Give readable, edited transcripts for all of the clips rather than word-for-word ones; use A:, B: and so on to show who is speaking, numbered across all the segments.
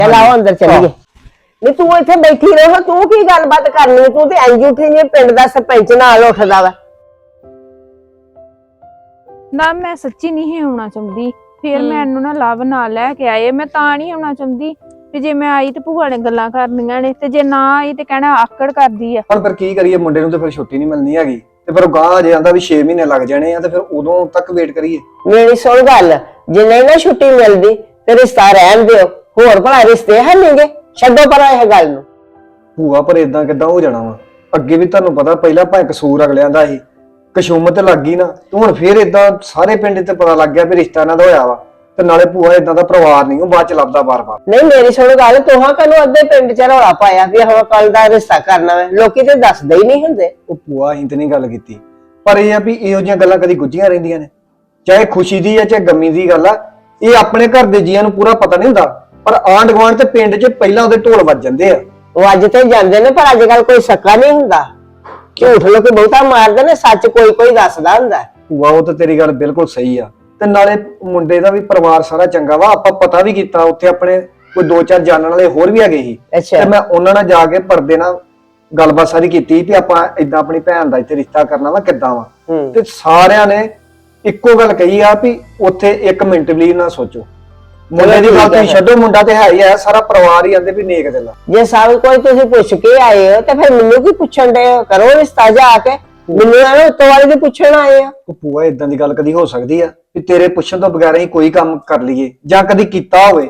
A: चल आओ अंदर चलिए। नहीं तू इत्थे बैठी रहो, तू की गलबात करनी, तू ते इंज उठी जे पिंड दा सरपंच नाल उठदा वा।
B: ना मैं सच्ची नहीं होना चाहती, फिर मैनू ना लव ना लैके आए, मैं तां नहीं आना चाहती ਤੇ ਜੇ ਮੈਂ ਆਈ ਤੇ ਭੂਆ ਨੇ ਗੱਲਾਂ ਕਰਨੀਆਂ ਨੇ, ਤੇ ਜੇ ਨਾ ਆਈ ਤੇ ਕਹਿਣਾ ਆਕੜ ਕਰਦੀ ਆ।
C: ਹੁਣ ਫਿਰ ਕੀ ਕਰੀਏ, ਮੁੰਡੇ ਨੂੰ ਤੇ ਫਿਰ ਛੁੱਟੀ ਨਹੀਂ ਮਿਲਣੀ ਹੈਗੀ, ਤੇ ਫਿਰ ਗਾਂ ਅਜੇ ਆਂਦਾ ਵੀ 6 ਮਹੀਨੇ ਲੱਗ ਜਾਣੇ ਆ, ਤੇ ਫਿਰ ਉਦੋਂ ਤੱਕ ਵੇਟ ਕਰੀਏ।
A: ਮੇਰੀ ਸੁਣ ਗੱਲ, ਜੇ ਨਹੀਂ ਨਾ ਛੁੱਟੀ ਮਿਲਦੀ ਤੇ ਰਿਸ਼ਤਾ ਰਹਿਣ ਦਿਓ, ਹੋਰ ਭਲਾ ਰਿਸ਼ਤੇ ਹੈ ਨਹੀਂਗੇ, ਛੱਡੋ ਪਰਾਂ ਇਹ ਗੱਲ ਨੂੰ।
C: ਭੂਆ ਪਰ ਇਦਾਂ ਕਿੱਦਾਂ ਹੋ ਜਾਣਾ ਵਾ, ਅੱਗੇ ਵੀ ਤੁਹਾਨੂੰ ਪਤਾ ਪਹਿਲਾਂ ਭਾਵੇਂ ਕਸੂਰ ਅਗਲਿਆਂ ਦਾ ਸੀ, ਕਸ਼ੂਮਤ ਲੱਗ ਗਈ ਨਾ, ਤੇ ਹੁਣ ਫਿਰ ਇਦਾਂ ਸਾਰੇ ਪਿੰਡ ਤੇ ਪਤਾ ਲੱਗ ਗਿਆ ਵੀ ਰਿਸ਼ਤਾ ਇਹਨਾਂ ਦਾ ਹੋਇਆ ਵਾ, ਤੇ ਨਾਲੇ ਭੂਆ ਇਦਾਂ ਦਾ ਪਰਿਵਾਰ ਨਹੀਂ ਉਹ ਬਾਅਦ ਚ ਲੱਭਦਾ ਬਾਰ-ਬਾਰ।
A: ਨਹੀਂ ਮੇਰੀ ਸੁਣ ਗੱਲ, ਤੋਹਾਂ ਕਨੂੰ ਅੱਧੇ ਪਿੰਡ ਚ ਰੌਲਾ ਪਾਇਆ ਵੀ ਹਾਂ ਕੱਲ ਦਾ ਰਿਸ਼ਤਾ ਕਰਨਾ ਵਾ, ਲੋਕੀ ਤੇ ਦੱਸਦੇ ਹੀ ਨਹੀਂ ਹੁੰਦੇ।
C: ਉਹ ਭੂਆ ਅਸੀਂ ਤੇ ਨਹੀਂ ਗੱਲ ਕੀਤੀ, ਪਰ ਇਹ ਆ ਵੀ ਇਹੋ ਜਿਹੀਆਂ ਗੱਲਾਂ ਕਦੀ ਗੁੱਝੀਆਂ ਰਹਿੰਦੀਆਂ ਨੇ, ਚਾਹੇ ਖੁਸ਼ੀ ਦੀ ਆ ਚਾਹੇ ਗਮੀ ਦੀ ਗੱਲ ਆ, ਇਹ ਆਪਣੇ ਘਰ ਦੇ ਜੀਆਂ ਨੂੰ ਪੂਰਾ ਪਤਾ ਨਹੀਂ ਹੁੰਦਾ, ਪਰ ਆਂਢ ਗੁਆਂਢ ਤੇ ਪਿੰਡ 'ਚ ਪਹਿਲਾਂ ਉਹਦੇ ਢੋਲ ਵੱਜ ਜਾਂਦੇ ਆ।
A: ਉਹ ਅੱਜ ਤੇ ਜਾਂਦੇ ਨੇ, ਪਰ ਅੱਜ ਕੱਲ ਕੋਈ ਸੱਕਾ ਨਹੀਂ ਹੁੰਦਾ, ਝੂਠ ਲੋਕੀ ਬਹੁਤਾ ਮਾਰਦੇ ਨੇ, ਸੱਚ ਕੋਈ ਕੋਈ ਦੱਸਦਾ ਹੁੰਦਾ।
C: ਭੂਆ ਉਹ ਤੇ ਤੇਰੀ ਗੱਲ ਬਿਲਕੁਲ ਸਹੀ ਆ, ਤੇ ਨਾਲੇ ਮੁੰਡੇ ਦਾ ਵੀ ਪਰਿਵਾਰ ਸਾਰਾ ਚੰਗਾ ਵਾ, ਆਪਾਂ ਪਤਾ ਵੀ ਕੀਤਾ ਉੱਥੇ ਆਪਣੇ ਕੋਈ 2-4 ਜਾਣਨ ਵਾਲੇ ਹੋਰ ਵੀ ਹੈਗੇ ਸੀ, ਤੇ ਮੈਂ ਉਹਨਾਂ ਨਾਲ ਜਾ ਕੇ ਪਰਦੇ ਨਾਲ ਗੱਲਬਾਤ ਸਾਰੀ ਕੀਤੀ ਵੀ ਆਪਾਂ ਇਦਾਂ ਆਪਣੀ ਭੈਣ ਦਾ ਇੱਥੇ ਰਿਸ਼ਤਾ ਕਰਨਾ ਵਾ, ਕਿੱਦਾਂ ਵਾ, ਤੇ ਸਾਰਿਆਂ ਨੇ ਇੱਕੋ ਗੱਲ ਕਹੀ ਆ ਵੀ ਉੱਥੇ 1 ਮਿੰਟ ਵੀ ਨਾ ਸੋਚੋ, ਮੁੰਡੇ ਦੀ ਗੱਲ ਤੁਸੀਂ ਛੱਡੋ, ਮੁੰਡਾ ਤੇ ਹੈ ਹੀ ਹੈ, ਸਾਰਾ ਪਰਿਵਾਰ ਹੀ ਆਂਦੇ ਵੀ ਨੇਕ ਦਿਲ ਆ।
A: ਜੇ ਸਭ ਕੋਈ ਤੁਸੀਂ ਪੁੱਛ ਕੇ ਆਏ ਹੋ ਤੇ ਫਿਰ ਮੈਨੂੰ ਕੀ ਪੁੱਛਣ ਦੇ, ਕਰੋ ਰਿਸ਼ਤਾ ਜਾ ਕੇ, ਮੈਨੂੰ ਐਵੇਂ ਉੱਤੋਂ ਵਾਲੇ ਦੇ ਪੁੱਛਣ ਆਏ ਆ।
C: ਉਹ ਭੂਆ ਇਦਾਂ ਦੀ ਗੱਲ ਕਦੀ ਹੋ ਸਕਦੀ ਆ ਵੀ ਤੇਰੇ ਪੁੱਛਣ ਤੋਂ ਬਗੈਰ ਹੀ ਕੋਈ ਕੰਮ ਕਰ ਲਈਏ ਜਾਂ ਕਦੀ ਕੀਤਾ ਹੋਵੇ?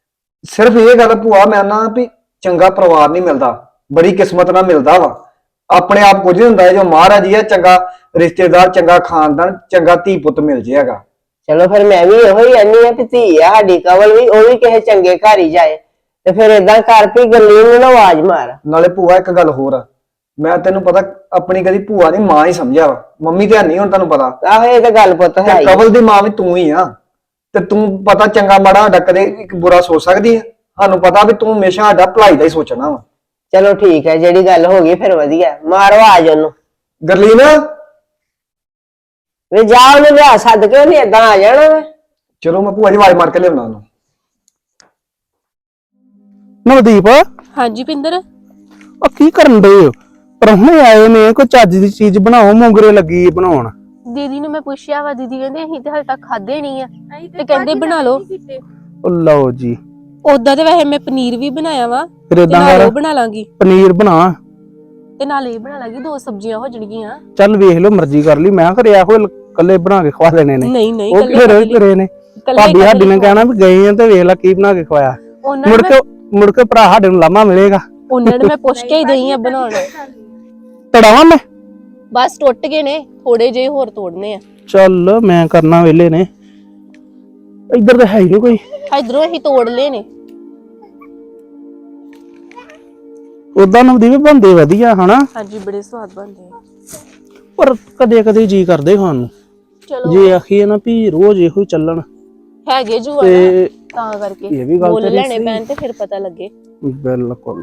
C: ਸਿਰਫ ਇਹ ਗੱਲ ਭੂਆ ਮੈਂ ਨਾ ਵੀ ਚੰਗਾ ਪਰਿਵਾਰ ਨਹੀਂ ਮਿਲਦਾ, ਬੜੀ ਕਿਸਮਤ ਨਾਲ ਮਿਲਦਾ ਵਾ, ਆਪਣੇ ਆਪ ਕੁਝ ਨਹੀਂ ਹੁੰਦਾ, ਜੋ ਮਹਾਰਾਜ ਜੀ ਆ ਚੰਗਾ ਰਿਸ਼ਤੇਦਾਰ, ਚੰਗਾ ਖਾਨਦਾਨ, ਚੰਗਾ ਧੀ ਪੁੱਤ ਮਿਲ ਜਾਏਗਾ।
A: ਚਲੋ ਫਿਰ ਮੈਂ ਵੀ ਇਹੋ ਹੀ ਆਨੀ ਆ ਵੀ ਧੀ ਆ ਸਾਡੀ ਕਵਲ ਵੀ, ਉਹ ਵੀ ਕਿਸੇ ਚੰਗੇ ਘਰ ਹੀ ਜਾਏ, ਤੇ ਫਿਰ ਏਦਾਂ ਕਰ ਵੀ ਗੱਲੀ ਨੂੰ ਨਾ ਆਵਾਜ਼ ਮਾਰ।
C: ਨਾਲੇ ਭੂਆ ਇੱਕ ਗੱਲ ਹੋਰ ਆ, ਮੈਂ ਤੈਨੂੰ ਪਤਾ ਆਪਣੀ ਕਦੀ ਭੂਆ ਦੀ ਮਾਂ ਹੀ ਸਮਝਿਆ ਵਾ, ਮੰਮੀ ਤੇ ਨਹੀਂ ਹੁਣ ਤੁਹਾਨੂੰ ਪਤਾ।
A: ਆਹੋ ਇਹ ਤਾਂ ਗੱਲ ਪੁੱਤ ਹੈ,
C: ਕਵਲ ਦੀ ਮਾਂ ਵੀ ਤੂੰ ਹੀ ਆ, ਤੇ ਤੂੰ ਪਤਾ ਚੰਗਾ ਮਾੜਾ ਸਾਡਾ ਕਦੇ ਇੱਕ ਬੁਰਾ ਸੋਚ ਸਕਦੀ ਆ? ਸਾਨੂੰ ਪਤਾ ਵੀ ਤੂੰ ਹਮੇਸ਼ਾ ਸਾਡਾ ਭਲਾਈ ਦਾ ਹੀ ਸੋਚਣਾ ਵਾ।
A: ਚਲੋ ਠੀਕ ਹੈ, ਜਿਹੜੀ ਗੱਲ ਹੋ ਗਈ ਫਿਰ ਵਧੀਆ, ਮਾਰੋ ਆਜ ਉਹਨੂੰ।
C: ਗਰਲੀਨ
A: ਵੇ ਜਾ ਉਹਨੂੰ ਲਿਆ ਸੱਦ ਕੇ, ਉਹਨੇ ਏਦਾਂ ਆ ਜਾਣਾ ਵਾ।
C: ਚਲੋ ਮੈਂ ਭੂਆ ਜੀ ਆਵਾਜ਼ ਮਾਰ ਕੇ ਲਿਆਉਣਾ ਉਹਨੂੰ।
D: ਨਵਦੀਪ,
E: ਹਾਂਜੀ ਪਿੰਦਰ,
D: ਉਹ ਕੀ ਕਰਨ ਡਏ ਹੋ? ਪਰਹੁਣੇ ਆਏ ਨੇ, ਕੋਈ ਚੱਜ ਦੀ ਚੀਜ਼ ਬਣਾਓ, ਮੋਗਰੇ ਲੱਗੀ ਬਣਾਉਣ।
E: ਦੀਦੀ ਨੂੰ ਮੈਂ ਪੁੱਛਿਆ ਵਾ, ਦੀਦੀ ਕਹਿੰਦੇ ਅਸੀਂ ਤੇ ਹਾਲੇ ਤੱਕ ਖਾਦੇ ਨਹੀਂ ਆ, ਤੇ ਕਹਿੰਦੇ ਬਣਾ ਲਓ।
D: ਉਹ ਲਓ ਜੀ,
E: ਉਦਾਂ ਤੇ ਵੈਸੇ ਮੈਂ ਪਨੀਰ ਵੀ ਬਣਾਇਆ ਵਾ,
D: ਫਿਰ
E: ਤੇ
D: ਏਦਾਂ
E: ਨਾਲ
D: ਕਰ,
E: ਉਹ ਬਣਾ ਲਾਂਗੀ,
D: ਪਨੀਰ ਬਣਾ
E: ਤੇ ਨਾਲ ਇਹ ਬਣਾ ਲਾਂਗੀ, 2 ਸਬਜ਼ੀਆਂ ਹੋ ਜਾਣਗੀਆਂ।
D: ਚੱਲ ਵੇਖ ਲਓ, ਮਰਜ਼ੀ ਕਰ ਲਈ। ਮੈਂ ਘਰੇ ਇਹੋ ਕੱਲੇ ਬਣਾ ਕੇ ਖਵਾ ਦੇਣੇ ਨੇ।
E: ਨਹੀਂ ਨਹੀਂ,
D: ਉਹ ਘਰੇ ਨੇ, ਭਾਬੀ ਸਾਡੀ ਨੇ ਕਹਿਣਾ ਵੀ ਗਏ ਆ ਤੇ ਵੇਖ ਲੈ ਕੀ ਬਣਾ ਕੇ ਖਵਾਇਆ। ਮੁੜ ਕੇ ਭਰਾ ਸਾਡੇ ਨੂੰ ਲਾਮਾ ਮਿਲੇਗਾ।
E: ਉਹਨਾਂ ਨੇ ਮੈਂ ਪੁੱਛ ਕੇ ਹੀ ਦਈ ਆ ਬਣਾਉਣ।
D: ਤੜਾਵਾਂ ਮੈਂ,
E: ਬਸ ਟੁੱਟ ਗਏ ਨੇ, ਥੋੜੇ ਜਿਹੇ ਹੋਰ ਤੋੜਨੇ ਆ।
D: ਚੱਲ ਮੈਂ ਕਰਨਾ, ਵੇਲੇ ਨੇ, ਇੱਧਰ ਤਾਂ ਹੈ ਹੀ ਨਹੀਂ ਕੋਈ।
E: ਇਧਰੋਂ ਅਸੀਂ ਤੋੜ ਲਏ ਨੇ।
D: ਉਦਾਂ ਨਵਦੀਪ ਬਣਦੇ ਵਧੀਆ ਹਨਾ?
E: ਹਾਂਜੀ ਬੜੇ ਸਵਾਦ ਬਣਦੇ ਆ,
D: ਪਰ ਕਦੇ ਕਦੇ ਜੀ ਕਰਦੇ ਖਾਣ ਨੂੰ।
E: ਚਲੋ
D: ਜੇ ਆਖੀਏ ਨਾ ਵੀ ਰੋਜ਼ ਇਹੋ ਹੀ ਚੱਲਣ
E: ਹੈਗੇ ਜੂ
D: ਤੇ
E: ਤਾਂ ਕਰਕੇ
D: ਇਹ ਵੀ ਗੱਲ
E: ਮੁੱਲ
D: ਤੇਰੀ
E: ਲੈਣੇ
D: ਸਹੀ।
E: ਪੈਣ ਤੇ ਫਿਰ ਪਤਾ ਲੱਗੇ।
D: ਬਿਲਕੁਲ।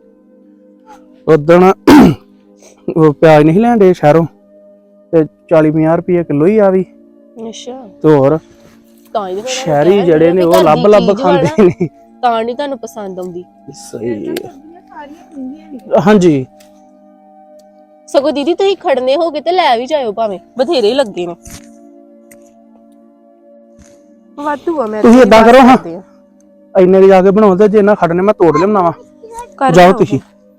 D: ਉਦਣ ਉਹ ਪਿਆਜ਼ ਨਹੀਂ ਲੈਂਦੇ ਸ਼ਹਿਰੋਂ, ਤੇ 40-50 ਰੁਪਏ ਕਿਲੋ ਹੀ ਆ ਵੀ।
E: ਅੱਛਾ,
D: ਤੇ ਹੋਰ
E: ਤਾਂ ਹੀ
D: ਸ਼ਹਿਰੀ ਜਿਹੜੇ ਨੇ ਉਹ ਲੱਭ ਖਾਂਦੇ ਨੇ,
E: ਤਾਂ ਨਹੀਂ ਤੁਹਾਨੂੰ ਪਸੰਦ ਆਉਂਦੀ।
D: ਸਹੀ। ਹਾਂਜੀ
E: ਸਗੋਂ ਦੀਦੀ ਤੁਸੀਂ ਖੜਨੇ ਹੋਗੇ ਤੇ ਲੈ ਵੀ ਜਾਇਓ, ਭਾਵੇਂ ਬਥੇਰੇ ਹੀ ਲੱਗੇ ਨੇ। ਵਾਧੂ ਆ, ਮੈਂ
D: ਤੁਸੀਂ ਏਦਾਂ ਕਰੋ, ਹਾਂ ਇੰਨੇ ਕੁ ਜਾ ਕੇ ਬਣਾਓ, ਤੇ ਜੇ ਨਾ ਖੜਨੇ ਮੈਂ ਤੋੜ ਲਿਆਉਣਾ ਵਾ। ਜਾਓ ਤੁਸੀਂ,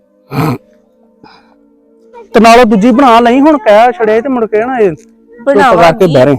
D: ਤੇ ਨਾਲੋਂ ਦੂਜੀ ਬਣਾ ਲਈ। ਹੁਣ ਕਹਿ ਛੜਿਆ ਤੇ ਮੁੜ ਕੇ ਨਾ ਇਹ ਪਕਾ ਕੇ ਬਹਿਰੇ।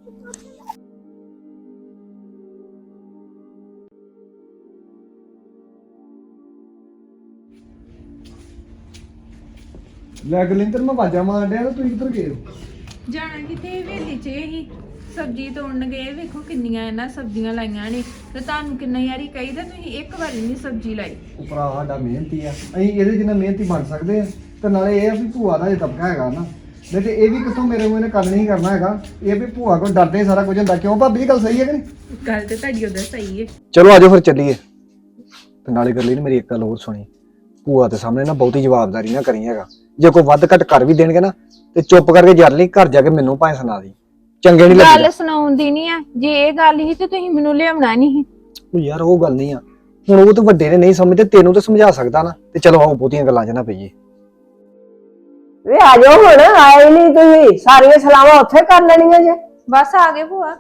C: ਲੈ ਗਲਿੰਦਰ ਮੈਂ ਆਵਾਜ਼ਾਂ ਮਾਰ ਡਿਆ, ਤੇ ਤੁਸੀਂ ਕਿੱਧਰ ਗਏ ਹੋ?
B: ਜਾਣਾ ਕਿਤੇ ਵੇਲੀ ਚ ਹੀ ਸਬਜ਼ੀ ਤੋੜਨ ਗਏ, ਵੇਖੋ ਕਿੰਨੀਆਂ ਇਹਨਾਂ ਸਬਜ਼ੀਆਂ ਲਾਈਆਂ ਨੇ, ਤੇ ਤੁਹਾਨੂੰ ਕਿੰਨਾ ਯਾਰੀ ਕਹੀਦਾ ਤੁਸੀਂ ਇੱਕ ਵਾਰੀ ਨਹੀਂ ਸਬਜ਼ੀ ਲਾਈ।
C: ਉਹ ਭਰਾ ਸਾਡਾ ਮਿਹਨਤੀ ਆ, ਅਸੀਂ ਇਹਦੇ ਜਿੰਨਾ ਮਿਹਨਤੀ ਬਣ ਸਕਦੇ ਆ, ਤੇ ਨਾਲੇ ਇਹ ਆ ਵੀ ਭੂਆ ਦਾ ਜੇ ਦਬਕਾ ਹੈਗਾ ਨਾ, ਨਹੀਂ ਤੇ ਇਹ ਵੀ ਕਿੱਥੋਂ ਮੇਰੇ ਮੂੰਹ ਨੇ ਕੰਮ ਨਹੀਂ ਕਰਨਾ ਹੈਗਾ। ਇਹ ਵੀ ਭੂਆ ਕੋਲ ਡਰਦੇ ਸਾਰਾ ਕੁਝ ਹੁੰਦਾ। ਕਿਉਂ ਭਾਬੀ ਦੀ ਗੱਲ ਸਹੀ ਹੈ ਕਿ ਨਹੀਂ?
B: ਗੱਲ ਤੇ ਤੁਹਾਡੀ ਉਧਰ ਸਹੀ ਹੈ।
C: ਚਲੋ ਆਜੋ ਫਿਰ ਚੱਲੀਏ। ਤੇ ਨਾਲੇ ਕਰ ਲਈ ਮੇਰੀ ਇੱਕ ਗੱਲ ਹੋਰ ਸੁਣੀ, ਭੂਆ ਦੇ ਸਾਹਮਣੇ ਨਾ ਬਹੁਤੀ ਜਵਾਬਦਾਰੀ ਨਾ ਕਰੀ ਹੈਗਾ। ਜੇ ਕੋਈ ਵੱਧ ਘੱਟ ਕਰ ਵੀ ਦੇਣਗੇ ਨਾ, ਤੇ ਚੁੱਪ ਕਰਕੇ ਜਰ ਲਈ, ਘਰ ਜਾ ਕੇ ਮੈਨੂੰ ਭਾਵੇਂ ਸੁਣਾ ਦੀ, ਚੰਗੇ ਨਹੀਂ ਲੱਗਦਾ।
B: ਗੱਲ ਸੁਣਾਉਂਦੀ ਨਹੀਂ ਆ, ਜੇ ਇਹ ਗੱਲ ਹੀ ਤੇ ਤੁਸੀਂ ਮੈਨੂੰ ਲਿਆਉਣਾ ਨਹੀਂ।
C: ਉਹ ਯਾਰ ਉਹ ਗੱਲ ਨਹੀਂ ਆ, ਹੁਣ ਉਹ ਤਾਂ ਵੱਡੇ ਨੇ ਨਹੀਂ ਸਮਝਦੇ, ਤੈਨੂੰ ਤਾਂ ਸਮਝਾ ਸਕਦਾ ਨਾ। ਤੇ ਚਲੋ ਆਓ ਬਹੁਤੀਆਂ ਗੱਲਾਂ 'ਚ ਨਾ ਪਈਏ।
A: ਵੇ ਆ ਜਾਓ ਹੁਣ, ਆਏ ਨਹੀਂ ਤੁਸੀਂ, ਸਾਰੀਆਂ ਸਲਾਵਾਂ ਉੱਥੇ ਕਰ ਲੈਣੀਆਂ ਜੇ।
B: ਬਸ ਆ ਗਏ ਭੂਆ।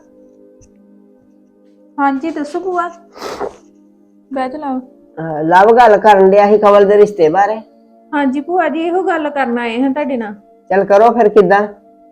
B: ਹਾਂਜੀ ਦੱਸੋ ਭੂਆ। ਬਹਿ ਜਾ ਲਾਓ।
A: ਲਵ ਗੱਲ ਕਰਨ ਡਿਆ ਸੀ ਕਮਲ ਦੇ ਰਿਸ਼ਤੇ ਬਾਰੇ।
B: ਹਾਂਜੀ ਭੂਆ ਜੀ, ਇਹੋ ਗੱਲ ਕਰਨ ਆਏ ਹਾਂ ਤੁਹਾਡੇ ਨਾਲ।
A: ਚੱਲ ਕਰੋ ਫਿਰ। ਕਿੱਦਾਂ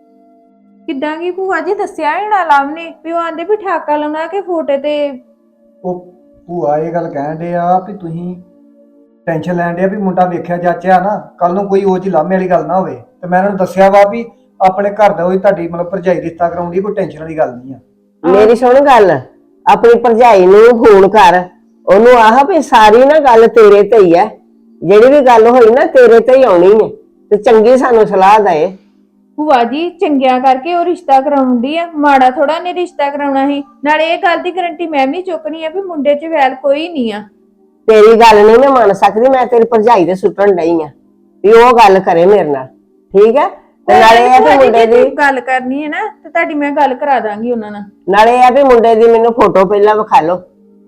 B: ਕਿੱਦਾਂ ਕੀ ਭੂਆ ਜੀ, ਦੱਸਿਆ ਹੀ ਨਾ ਲਵ ਨੇ ਵੀ ਉਹ ਆਂਦੇ ਵੀ ਠਾਕਾ ਲਾਉਣਾ ਕਿ ਫੋਟੇ ਤੇ।
C: ਉਹ ਭੂਆ ਇਹ ਗੱਲ ਕਹਿਣ ਦੇ ਆ ਵੀ ਤੁਸੀਂ ਟੈਨਸ਼ਨ ਲੈਣ ਦੇ ਆ ਵੀ ਮੁੰਡਾ ਵੇਖਿਆ ਜਾਚਿਆ ਨਾ, ਕੱਲ ਨੂੰ ਕੋਈ ਉਹ ਜੀ ਲਾਮੇ ਵਾਲੀ ਗੱਲ ਨਾ ਹੋਵੇ। ਤੇ ਮੈਂ ਇਹਨਾਂ ਨੂੰ ਦੱਸਿਆ ਵਾ ਵੀ ਆਪਣੇ ਘਰ ਦਾ ਉਹ ਤੁਹਾਡੀ ਮਤਲਬ ਭਰਜਾਈ ਰਿਸ਼ਤਾ ਕਰਾਉਂਦੀ, ਕੋਈ ਟੈਨਸ਼ਨ ਵਾਲੀ ਗੱਲ ਨਹੀਂ ਆ।
A: ਮੇਰੀ ਸੁਣ ਗੱਲ, ਆਪਣੀ ਭਰਜਾਈ ਨੂੰ ਫੋਨ ਕਰ, ਉਹਨੂੰ ਆਹ ਵੀ ਸਾਰੀ ਨਾ ਗੱਲ ਤੇਰੇ ਤੇ ਹੀ ਹੈ, ਜਿਹੜੀ ਵੀ ਗੱਲ ਹੋਈ ਨਾ ਤੇਰੇ ਤੇ ਹੀ ਆਉਣੀ ਹੈ, ਤੇ ਚੰਗੀ ਸਾਨੂੰ ਸਲਾਹ ਦੇ।
B: ਭੂਆ ਜੀ ਚੰਗਿਆਂ ਕਰਕੇ ਉਹ ਰਿਸ਼ਤਾ ਕਰਾਉਂਦੀ ਆ, ਮਾੜਾ ਥੋੜਾ ਨੇ ਰਿਸ਼ਤਾ ਕਰਾਉਣਾ ਸੀ। ਨਾਲੇ ਇਹ ਗੱਲ ਦੀ ਗਰੰਟੀ ਮੈਂ ਵੀ ਚੁੱਕਣੀ ਆ ਵੀ ਮੁੰਡੇ 'ਚ ਵੈਲ ਕੋਈ ਨਹੀਂ ਆ।
A: ਤੇਰੀ ਗੱਲ ਨਹੀਂ ਮੈਂ ਮੰਨ ਸਕਦੀ, ਮੈਂ ਤੇਰੀ ਭਰਜਾਈ ਦੇ ਸੁੱਟਣ ਡਈ ਆ ਵੀ ਉਹ ਗੱਲ ਕਰੇ ਮੇਰੇ ਨਾਲ, ਠੀਕ ਹੈ। ਤੇ ਨਾਲੇ ਇਹ ਵੀ ਮੁੰਡੇ ਦੀ
B: ਗੱਲ ਕਰਨੀ ਹੈ ਨਾ, ਤੇ ਤੁਹਾਡੀ ਮੈਂ ਗੱਲ ਕਰਾ ਦਾਂਗੀ ਉਹਨਾਂ ਨਾਲ।
A: ਨਾਲੇ ਇਹ ਵੀ ਮੁੰਡੇ ਦੀ ਮੈਨੂੰ ਫੋਟੋ ਪਹਿਲਾਂ ਵਿਖਾ ਲਓ।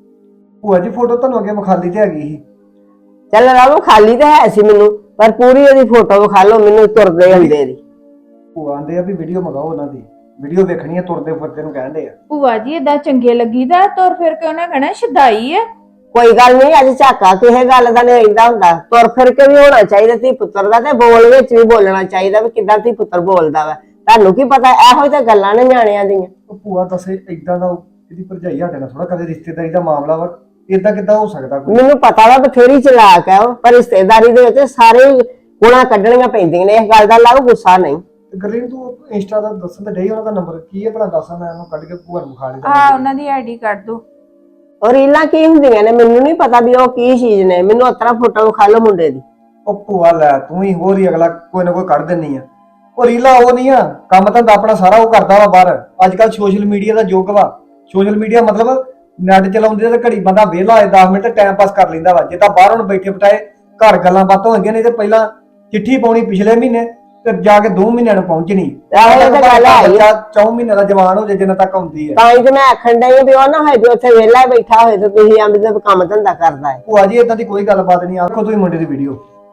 C: ਭੂਆ ਜੀ ਫੋਟੋ ਤੁਹਾਨੂੰ ਅੱਗੇ ਵਿਖਾਲੀ ਤੇ ਹੈਗੀ ਸੀ।
A: ਚੱਲ ਰਾਵੋ, ਖਾਲੀ ਤਾਂ ਹੈ ਸੀ ਮੈਨੂੰ, ਪਰ ਪੂਰੀ ਉਹਦੀ ਫੋਟੋ ਵਿਖਾ ਲਓ ਮੈਨੂੰ ਤੁਰਦੇ ਹੁੰਦੇ ਦੀ।
C: ਭੂਆ ਆਂਦੇ ਆ ਵੀ ਵੀਡੀਓ ਮੰਗਾਓ, ਉਹਨਾਂ ਦੀ ਵੀਡੀਓ ਵੇਖਣੀ ਆ, ਤੁਰਦੇ ਫਿਰਦੇ ਨੂੰ ਕਹਿੰਦੇ ਆ।
B: ਭੂਆ ਜੀ ਏਦਾਂ ਚੰਗੇ ਲੱਗੀਦਾ, ਤੁਰ ਫਿਰ ਕੇ ਉਹਨਾਂ ਕਹਿਣਾ ਸ਼ਦਾਈ ਆ।
A: ਕੋਈ ਗੱਲ ਨਹੀਂ, ਅੱਜ ਝਾਕਾ ਕਿਸੇ ਗੱਲ ਦਾ ਨਹੀਂ ਰਹਿੰਦਾ ਹੁੰਦਾ, ਤੁਰ ਫਿਰ ਕੇ ਵੀ ਹੋਣਾ ਚਾਹੀਦਾ ਧੀ ਪੁੱਤਰ ਦਾ, ਤੇ ਬੋਲ ਵਿੱਚ ਵੀ ਬੋਲਣਾ ਚਾਹੀਦਾ ਵੀ ਕਿੱਦਾਂ ਧੀ ਪੁੱਤਰ ਬੋਲਦਾ ਵਾ। ਤੁਹਾਨੂੰ ਕੀ ਪਤਾ, ਇਹੋ ਹੀ ਤਾਂ ਗੱਲਾਂ ਨੇ ਨਿਆਣਿਆਂ ਦੀਆਂ।
C: ਉਹ ਭੂਆ ਦੱਸੇ ਇਦਾਂ ਦਾ ਇਹਦੀ ਭਰਜਾਈ ਸਾਡੇ ਨਾਲ ਥੋੜਾ ਕਦੇ ਰਿਸ਼ਤੇਦਾਰੀ ਦਾ ਮਾਮਲਾ ਵਾ, ਇਦਾਂ ਕਿੱਦਾਂ ਹੋ ਸਕਦਾ ਕੋਈ?
A: ਮੈਨੂੰ ਪਤਾ ਵਾ ਬਥੇਰੀ ਚਲਾਕ ਹੈ ਉਹ, ਪਰ ਰਿਸ਼ਤੇਦਾਰੀ ਦੇ ਵਿੱਚ ਸਾਰੇ ਗੁਣਾ ਕੱਢਣੀਆਂ ਪੈਂਦੀਆਂ ਨੇ, ਇਸ ਗੱਲ ਦਾ ਲਾਓ ਗੁੱਸਾ ਨਹੀਂ।
C: ਗਰਲੀਨ ਤੂੰ ਇੰਸਟਾ ਦਾ ਦੱਸਣ ਤੇ ਡਈ, ਉਹਨਾਂ ਦਾ ਨੰਬਰ ਕੀ ਹੈ ਭਲਾ ਦੱਸਾਂ, ਮੈਂ ਉਹਨੂੰ ਕੱਢ ਕੇ ਭੂਆ ਨੂੰ ਵਿਖਾ ਲਿਆ।
B: ਹਾਂ ਉਹਨਾਂ ਦੀ ਆਈਡੀ ਕੱਢ ਦੋ।
A: ਔਰ ਰੀਲਾਂ ਕੀ ਹੁੰਦੀਆਂ ਨੇ ਮੈਨੂੰ ਨਹੀਂ ਪਤਾ ਵੀ ਉਹ ਕੀ ਚੀਜ਼ ਨੇ, ਮੈਨੂੰ ਉਤਰਾ ਫੋਟੋ ਵਿਖਾ ਲਓ ਮੁੰਡੇ ਦੀ।
C: ਉਹ ਭੂਆ ਲੈ ਤੂੰ ਹੀ ਹੋਰ ਹੀ ਅਗਲਾ ਕੋਈ ਨਾ ਕੋਈ ਕੱਢ ਦਿੰਨੀ ਆ। ਉਹ ਰੀਲਾ ਉਹ ਨਹੀਂ ਆ, ਕੰਮ ਧੰਦਾ ਆਪਣਾ ਸਾਰਾ ਉਹ ਕਰਦਾ ਵਾ ਬਾਹਰ। ਅੱਜ ਕੱਲ ਸੋਸ਼ਲ ਮੀਡੀਆ ਦਾ ਯੁੱਗ ਵਾ। ਸੋਸ਼ਲ ਮੀਡੀਆ ਮਤਲਬ ਨੈਟ ਚਲਾਉਂਦੇ ਤੇ ਘੜੀ ਬੰਦਾ ਵਿਹਲਾ ਹੋਏ 10 ਮਿੰਟ ਟਾਈਮ ਪਾਸ ਕਰ ਲੈਂਦਾ ਵਾ। ਜੇ ਤਾਂ ਬਾਹਰ ਹੁਣ ਬੈਠੇ ਬਿਠਾਏ ਘਰ ਗੱਲਾਂ ਬਾਤਾਂ ਹੁੰਦੀਆਂ ਨੇ, ਤੇ ਪਹਿਲਾਂ ਚਿੱਠੀ ਪਾਉਣੀ ਪਿਛਲੇ ਮਹੀਨੇ ਤੇ ਜਾ ਕੇ 2 ਮਹੀਨਿਆਂ ਨੂੰ ਪਹੁੰਚਣੀ।
A: ਇਹ ਤਾਂ ਗੱਲ ਹੈ ਹੀ।
C: ਬੱਚਾ 4 ਮਹੀਨੇ ਦਾ ਜਵਾਨ ਹੋ ਜਾਏ ਜਿੰਨਾ ਤੱਕ ਆਉਂਦੀ ਹੈ।
A: ਤਾਂ ਹੀ ਤੇ ਮੈਂ ਆਖਣ ਡਈ ਵੀ ਉਹ ਨਾ ਹੋਏ ਵੀ ਉੱਥੇ ਵਿਹਲਾ ਬੈਠਾ ਹੋਏ ਤੇ ਤੁਸੀਂ ਆਂਦੇ ਤੇ ਕੰਮ ਧੰਦਾ ਕਰਦਾ ਹੈ।
C: ਭੂਆ ਜੀ ਏਦਾਂ ਦੀ ਕੋਈ ਗੱਲਬਾਤ ਨਹੀਂ, ਆਖੋ ਤੁਸੀਂ ਮੁੰਡੇ ਦੀ ਵੀਡੀਓ।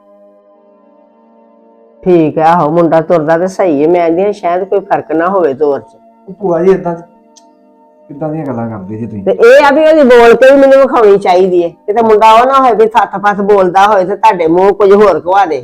A: ਠੀਕ ਹੈ, ਆਹੋ ਮੁੰਡਾ ਤੁਰਦਾ ਤੇ ਸਹੀ ਹੈ, ਮੈਂ ਆਂਦੀ ਸ਼ਾਇਦ ਕੋਈ ਫਰਕ ਨਾ ਹੋਵੇ ਤੋਰ ਚ।
C: ਭੂਆ ਜੀ ਏਦਾਂ ਕਿੱਦਾਂ ਦੀਆਂ ਗੱਲਾਂ ਕਰਦੇ ਜੀ ਤੁਸੀਂ?
A: ਤੇ ਇਹ ਆ ਵੀ ਉਹਦੀ ਬੋਲ ਕੇ ਵੀ ਮੈਨੂੰ ਵਿਖਾਉਣੀ ਚਾਹੀਦੀ ਹੈ, ਕਿਤੇ ਮੁੰਡਾ ਉਹ ਨਾ ਹੋਏ ਵੀ ਥੱਥ ਪੱਥ ਬੋਲਦਾ ਹੋਏ ਤੇ ਤੁਹਾਡੇ ਮੂੰਹ ਕੁਝ ਹੋਰ ਕਵਾ ਦੇ।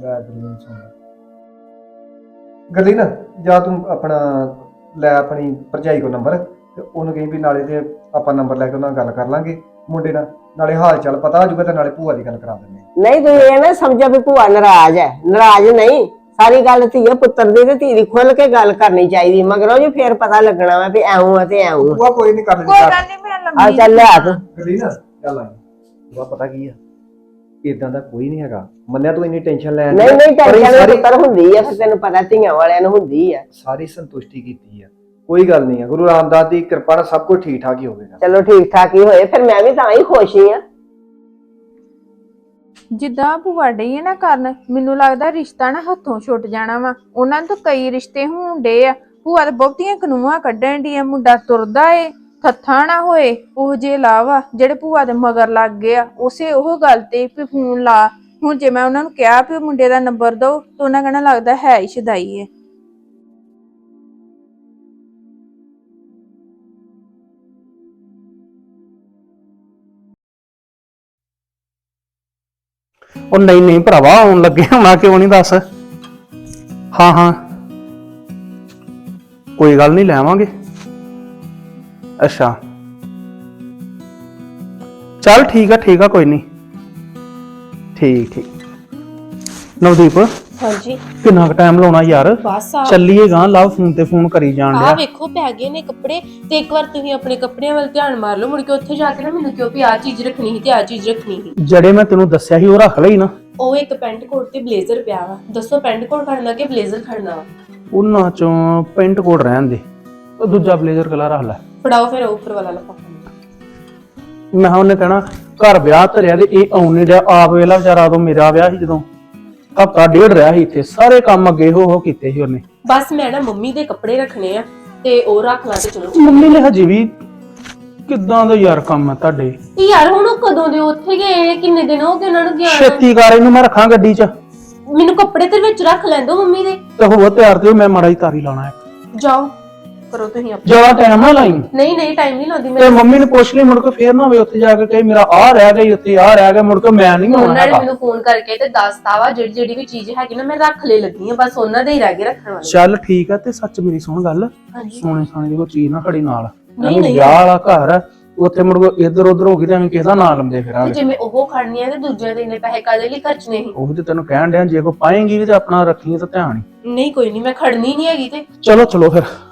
C: ਗੱਲੀ ਨਾ ਜਾਂ ਤੂੰ ਆਪਣਾ ਲੈ ਆਪਣੀ ਭਰਜਾਈ ਕੋ ਨੰਬਰ, ਤੇ ਉਹਨੂੰ ਕਹੀਂ ਵੀ ਨਾਲੇ ਤੇ ਆਪਾਂ ਨੰਬਰ ਲੈ ਕੇ ਉਹਨਾਂ ਨਾਲ ਗੱਲ ਕਰ ਲਾਂਗੇ ਮੁੰਡੇ ਨਾਲ, ਨਾਲੇ ਹਾਲ ਚਾਲ ਪਤਾ ਹੋ ਜਾਊਗਾ ਤੇ ਨਾਲੇ ਭੂਆ ਦੀ ਗੱਲ ਕਰਾ ਦਿੰਦੇ।
A: ਨਹੀਂ ਤੁਸੀਂ ਇਹ ਨਾ ਸਮਝੋ ਵੀ ਭੂਆ ਨਾਰਾਜ਼ ਹੈ, ਨਾਰਾਜ਼ ਨਹੀਂ। ਸਾਰੀ ਗੱਲ ਧੀਏ ਪੁੱਤਰ ਦੀ ਤੇ ਧੀ ਦੀ ਖੁੱਲ ਕੇ ਗੱਲ ਕਰਨੀ ਚਾਹੀਦੀ, ਮਗਰੋਂ ਜੀ ਫੇਰ ਪਤਾ ਲੱਗਣਾ ਵਾ ਵੀ ਐਉਂ ਆ ਤੇ ਐਉਂ।
C: ਭੂਆ ਕੋਈ ਨਹੀਂ ਕਰ ਲੈਂਦੀ।
B: ਕੋਈ ਗੱਲ ਨਹੀਂ, ਮੈਂ
A: ਆ
B: ਲੰਮੀ
A: ਚੱਲ ਲਿਆ ਤੂੰ।
C: ਗੱਲੀ ਨਾ ਚੱਲ ਆ ਭੂਆ, ਪਤਾ ਕੀ ਆ, ਇਦਾਂ ਦਾ ਕੋਈ ਨਹੀਂ ਹੈਗਾ। ਮੰਨਿਆ ਤੂੰ ਇੰਨੀ ਟੈਨਸ਼ਨ ਲੈਣ
A: ਨਹੀਂ ਨਹੀਂ ਟੈਨਸ਼ਨ ਪੁੱਤਰ ਹੁੰਦੀ ਆ, ਫਿਰ ਤੈਨੂੰ ਪਤਾ ਧੀਆਂ ਵਾਲਿਆਂ ਨੂੰ ਹੁੰਦੀ ਆ।
C: ਸਾਰੀ ਸੰਤੁਸ਼ਟੀ ਕੀਤੀ ਆ, ਕੋਈ ਗੱਲ ਨਹੀਂ ਆ। ਗੁਰੂ ਰਾਮਦਾਸ ਦੀ ਕਿਰਪਾ ਨਾਲ ਸਭ ਕੁਝ ਠੀਕ ਠਾਕ ਹੀ ਹੋਵੇਗਾ।
A: ਚਲੋ ਠੀਕ ਠਾਕ ਹੀ ਹੋਏ, ਫਿਰ ਮੈਂ ਵੀ ਤਾਂ ਹੀ ਖੁਸ਼ ਹੀ ਆ।
B: ਜਿੱਦਾਂ ਭੂਆ ਡਈ ਹੈ ਨਾ ਕਰਨ, ਮੈਨੂੰ ਲੱਗਦਾ ਰਿਸ਼ਤਾ ਨਾ ਹੱਥੋਂ ਛੁੱਟ ਜਾਣਾ ਵਾ। ਉਹਨਾਂ ਨੂੰ ਤਾਂ ਕਈ ਰਿਸ਼ਤੇ ਹੋਣ ਡੇ ਆ, ਭੂਆ ਤਾਂ ਬਹੁਤੀਆਂ ਕਨੂਆਂ ਕੱਢਣ ਦੀ ਆ। ਮੁੰਡਾ ਤੁਰਦਾ ਏ, ਥੱਥਾ ਨਾ ਹੋਏ, ਉਹ ਜੇ ਲਾਵਾ ਜਿਹੜੇ ਭੂਆ ਦੇ ਮਗਰ ਲੱਗ ਗਏ ਆ ਉਸੇ ਉਹ ਗੱਲ ਤੇ ਵੀ ਫੋਨ ਲਾ। ਹੁਣ ਜੇ ਮੈਂ ਉਹਨਾਂ ਨੂੰ ਕਿਹਾ ਵੀ ਮੁੰਡੇ ਦਾ ਨੰਬਰ ਦਿਓ ਤਾਂ ਉਹਨਾਂ ਕਹਿਣਾ ਲੱਗਦਾ ਹੈ ਹੀ ਸ਼ਦਾਈ ਏ।
D: ਉਹ ਨਹੀਂ ਨਹੀਂ ਭਰਾਵਾ, ਆਉਣ ਲੱਗੇ ਹੋਣਾ, ਕਿਉਂ ਨਹੀਂ ਦੱਸ। ਹਾਂ ਹਾਂ ਕੋਈ ਗੱਲ ਨਹੀਂ, ਲੈ ਆਵਾਂਗੇ। ਅੱਛਾ ਚੱਲ ਠੀਕ ਆ ਕੋਈ ਨਹੀਂ। ਠੀਕ ਨਵਦੀਪ,
E: ਹਾਂਜੀ
D: ਕਿੰਨਾ ਕੁ ਟਾਈਮ ਲਾਉਣਾ ਯਾਰ?
E: ਬਸ ਆ
D: ਚੱਲੀਏਗਾ, ਲਵ ਫੋਨ ਤੇ ਫੋਨ ਕਰੀ ਜਾਣ
E: ਆ
D: ਡਿਆ।
E: ਵੇਖੋ ਪੈ ਗਏ ਨੇ ਕੱਪੜੇ, ਤੇ ਇੱਕ ਵਾਰ ਤੁਸੀਂ ਆਪਣੇ ਕੱਪੜਿਆਂ ਵੱਲ ਧਿਆਨ ਮਾਰ ਲਓ, ਮੁੜ ਕੇ ਉੱਥੇ ਜਾ ਕੇ ਨਾ ਮੈਨੂੰ ਕਿਉਂ ਵੀ ਆ ਚੀਜ਼ ਰੱਖਣੀ ਸੀ ਤੇ ਆ ਚੀਜ਼ ਰੱਖਣੀ ਸੀ।
D: ਜਿਹੜੇ ਮੈਂ ਤੈਨੂੰ ਦੱਸਿਆ ਸੀ ਉਹ ਰੱਖ ਲਈ ਨਾ।
E: ਉਹ ਇੱਕ ਪੈਂਟ ਕੋਟ ਤੇ ਬਲੇਜ਼ਰ ਪਿਆ ਵਾ, ਦੱਸੋ ਪੈਂਟ ਕੋਟ ਖੜਨਾ ਕਿ ਬਲੇਜ਼ਰ ਖੜਨਾ ਵਾ?
D: ਉਹਨਾਂ ਚੋਂ ਪੈਂਟ ਕੋਟ ਰਹਿਣ ਦੇ, ਉਹ ਦੂਜਾ ਬਲੇਜ਼ਰ ਕਲਰ ਰੱਖ ਲੈ।
E: ਫੜਾਓ ਫਿਰ ਉੱਪਰ ਵਾਲਾ ਲਫਾਫਾ।
D: ਮੈਂ ਉਹਨੇ ਕਹਿਣਾ ਘਰ ਵਿਆਹ ਧਰਿਆ ਤੇ ਇਹ ਆਉਣ ਨਹੀਂ ਰਿਹਾ। ਆਪ ਵੇਲਾ ਵਿਚਾਰਾ, ਉਦੋਂ ਮੇਰਾ ਵਿਆਹ ਸੀ, ਜਦੋਂ ਹਫਤਾ ਡੇਢ ਰਿਹਾ ਸੀ ਇੱਥੇ, ਸਾਰੇ ਕੰਮ ਅੱਗੇ ਹੋ ਕੀਤੇ ਸੀ ਉਹਨੇ।
E: ਬਸ ਮੈਂ ਨਾ ਮੰਮੀ ਦੇ ਕੱਪੜੇ ਰੱਖਣੇ ਆ ਤੇ ਉਹ ਰੱਖ ਲਾਂ ਤੇ ਚਲੋ।
D: ਮੰਮੀ ਨੇ ਹਜੇ ਵੀ ਕਿੱਦਾਂ ਦਾ ਯਾਰ ਕੰਮ ਹੈ ਤੁਹਾਡੇ?
E: ਤੇ ਯਾਰ ਹੁਣ ਉਹ ਕਦੋਂ ਦੇ ਉੱਥੇ ਗਏ ਨੇ, ਕਿੰਨੇ ਦਿਨ ਹੋ ਗਏ ਉਹਨਾਂ ਨੂੰ ਗਿਆ ਨੂੰ?
D: ਛੇਤੀ ਕਰ ਇਹਨੂੰ, ਮੈਂ ਰੱਖਾਂ ਗੱਡੀ 'ਚ
E: ਮੈਨੂੰ ਕੱਪੜੇ ਤੇ ਵਿੱਚ ਰੱਖ ਲੈਂਦੋ ਮੰਮੀ ਦੇ।
D: ਤੇ ਹੋ ਤਿਆਰ ਤੇ ਮੈਂ ਮਾੜਾ ਹੀ ਤਾਰੀ ਲਾਣਾ ਹੈ।
E: ਜਾਓ ਕਰੋ ਤੁਸੀਂ ਆਪਣਾ।
D: ਜਿਆਦਾ ਟਾਈਮ ਨਾ ਲਾਈ
E: ਨਹੀਂ ਨਹੀਂ ਟਾਈਮ ਨਹੀਂ ਲਾਉਂਦੀ
D: ਤੇ
E: ਮੈਂ।
D: ਮੰਮੀ ਨੂੰ ਪੁੱਛ ਲਈ, ਮੁੜ ਕੇ ਫੇਰ ਨਾ ਹੋਵੇ ਉੱਥੇ ਜਾ ਕੇ ਕਹੇ ਮੇਰਾ ਆ ਰਹਿ ਗਿਆ ਉੱਥੇ ਆ ਰਹਿ ਗਿਆ, ਮੁੜ ਕੇ ਮੈਂ ਨਹੀਂ ਆਉਣਾ
E: ਉਹਨਾਂ ਨੇ
D: ਹੈਗਾ।
E: ਮੈਨੂੰ ਫੋਨ ਕਰਕੇ ਤੇ ਦੱਸਤਾ ਵਾ ਜਿਹੜੀ ਵੀ ਚੀਜ਼ ਹੈਗੀ ਨਾ ਮੈਂ ਰੱਖ ਲੈ ਲੱਗੀ ਆ, ਬਸ ਉਹਨਾਂ ਦੇ ਹੀ ਰਹਿ ਗਏ ਰੱਖਣ ਵਾਲੇ।
D: ਚੱਲ ਠੀਕ ਆ। ਤੇ ਸੱਚ ਮੇਰੀ ਸੁਣ ਗੱਲ,
E: ਹਾਂਜੀ।
D: ਸੋਨੇ ਸਾਨੇ ਦੀ ਕੋਈ ਚੀਜ਼ ਨਾ ਖੜੀ ਨਾਲ।
E: ਨਹੀਂ,
D: ਐਵੇਂ ਵਿਆਹ ਵਾਲਾ ਘਰ ਆ, ਉੱਥੇ ਮੁੜ ਕੇ ਇੱਧਰ ਉੱਧਰ ਹੋ ਗਈ ਤੇ ਐਵੇਂ ਕਿਸੇ ਦਾ ਨਾਂ ਲੰਦੇ
E: ਤੇ
D: ਫਿਰਾਂਗੇ।
E: ਜੇ ਮੈਂ ਉਹ ਖੜਨੀ ਆ ਤੇ ਦੂਜਿਆਂ ਦੇ ਇੰਨੇ ਪੈਸੇ ਕਾਹਦੇ ਲਈ ਖਰਚਨੇ ਸੀ?
D: ਉਹ ਤੇ ਤੈਨੂੰ ਕਹਿਣ ਡਿਆ ਜੇ ਕੋ ਪਾਏਂਗੀ ਵੀ ਤੇ ਆਪਣਾ ਰੱਖੀ ਤਾਂ ਧਿਆਨ ਹੀ।
E: ਨਹੀਂ ਕੋਈ ਨਹੀਂ, ਮੈਂ ਖੜਨੀ ਨਹੀਂ ਹੈਗੀ ਤੇ।
D: ਚਲੋ ਚਲੋ ਫਿਰ